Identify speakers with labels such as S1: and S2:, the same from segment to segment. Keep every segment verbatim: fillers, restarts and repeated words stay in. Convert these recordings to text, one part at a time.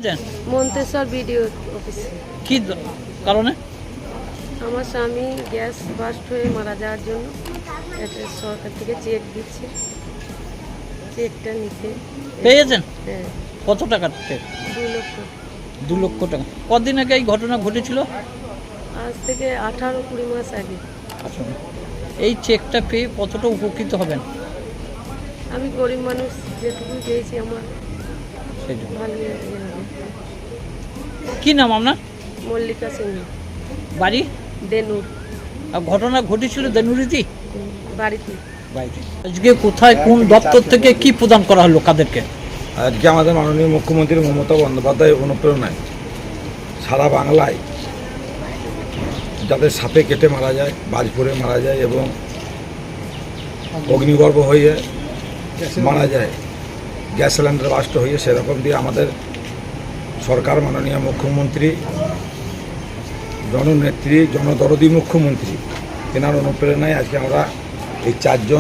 S1: পেয়েছেন?
S2: মন্তেশ্বর বিডিও অফিসে।
S1: কি দ- কারণে?
S2: আমার স্বামী গ্যাস বাস্ট হয়ে মারা যাওয়ার জন্য একটা সরকার থেকে চেক দিচ্ছে, চেকটা নিতে।
S1: পেয়েছেন?
S2: হ্যাঁ,
S1: কত টাকার চেক?
S2: দু লক্ষ।
S1: দু লক্ষ টাকা। কদিন আগে এই ঘটনা ঘটেছিল?
S2: আজ থেকে আঠারো কুড়ি মাস আগে।
S1: আচ্ছা, এই চেকটা পেয়ে কতটা উপকৃত হবেন?
S2: আমি গরিব মানুষ, যেটুকু পেয়েছি আমার
S1: সেই জন্য।
S2: ভালো ইয়ে হবে।
S1: কি নাম আপনার?
S2: মল্লিকা সিংহ,
S1: বাড়ি?
S2: দেনুর।
S1: আর ঘটনা ঘটেছিল দেনুরিতি
S2: হুম, বাড়িতে।
S1: বাড়িতে। আজকে কোথায় কোন দপ্তর থেকে কি প্রদান করা হলো কাদেরকে?
S3: আজকে আমাদের মাননীয় মুখ্যমন্ত্রী মমতা বন্দ্যোপাধ্যায় অনুপ্রেরণায় সারা বাংলায় যাদের সাপে কেটে মারা যায়, বাজ পড়ে মারা যায় এবং অগ্নিগর্ভ হয়ে মারা যায়, গ্যাস সিলিন্ডার বাস্ট হয়ে, সেরকম দিয়ে আমাদের সরকার মাননীয় মুখ্যমন্ত্রী, জননেত্রী, জনদরদী মুখ্যমন্ত্রী, তেনার অনুপ্রেরণায় আজকে আমরা এই চারজন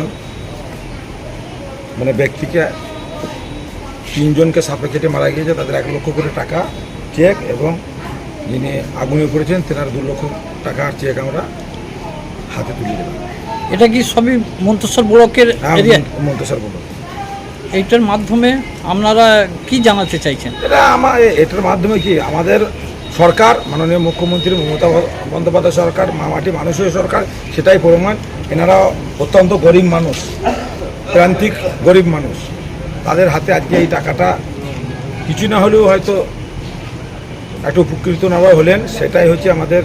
S3: মানে ব্যক্তিকে, তিনজনকে সাপে কেটে মারা গিয়েছে, তাদের এক লক্ষ করে টাকা চেক এবং যিনি আগুনে পড়েছেন তেনার দু লক্ষ টাকার চেক আমরা হাতে তুলে দিলাম।
S1: এটা কি সবই মন্তেশ্বর ব্লকের এরিয়া?
S3: মন্তেশ্বর বলুন।
S1: এইটার মাধ্যমে আপনারা কি জানাতে চাইছেন?
S3: এটা আমার এটার মাধ্যমে কি আমাদের সরকার, মাননীয় মুখ্যমন্ত্রী মমতা বন্দ্যোপাধ্যায় সরকার, মামাটি মানুষের সরকার, সেটাই প্রমাণ। এনারা অত্যন্ত গরিব মানুষ, প্রান্তিক গরিব মানুষ, তাদের হাতে আজকে এই টাকাটা কিছু না হলেও হয়তো একটু উপকৃত নেওয়া হলেন। সেটাই হচ্ছে আমাদের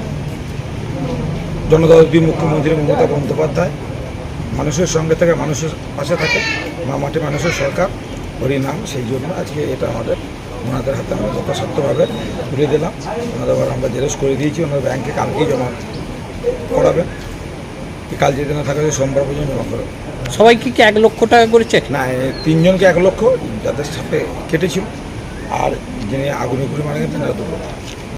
S3: জনদরদী মুখ্যমন্ত্রী মমতা বন্দ্যোপাধ্যায়, মানুষের সঙ্গে থেকে মানুষের পাশে থাকে, মামাটি মানুষের সরকার, হরি নাম। সেই জন্য আজকে এটা আমাদের ওনাদের হাতে আমরা যথাসাধ্যভাবে তুলে দিলাম। ওনাদের আবার আমরা জেরক্স করে দিয়েছি, ওনার ব্যাংকে কালকেই জমা করাবেন। কাল যেদিন না থাকে সোমবার পর্যন্ত জমা করবে।
S1: সবাইকে কি এক লক্ষ টাকা করে চেক?
S3: না, এ তিনজনকে এক লক্ষ, যাদের সাথে কেটেছিল, আর যিনি আগুনে পুড়ে মারা গেছেন তারা দু লক্ষ।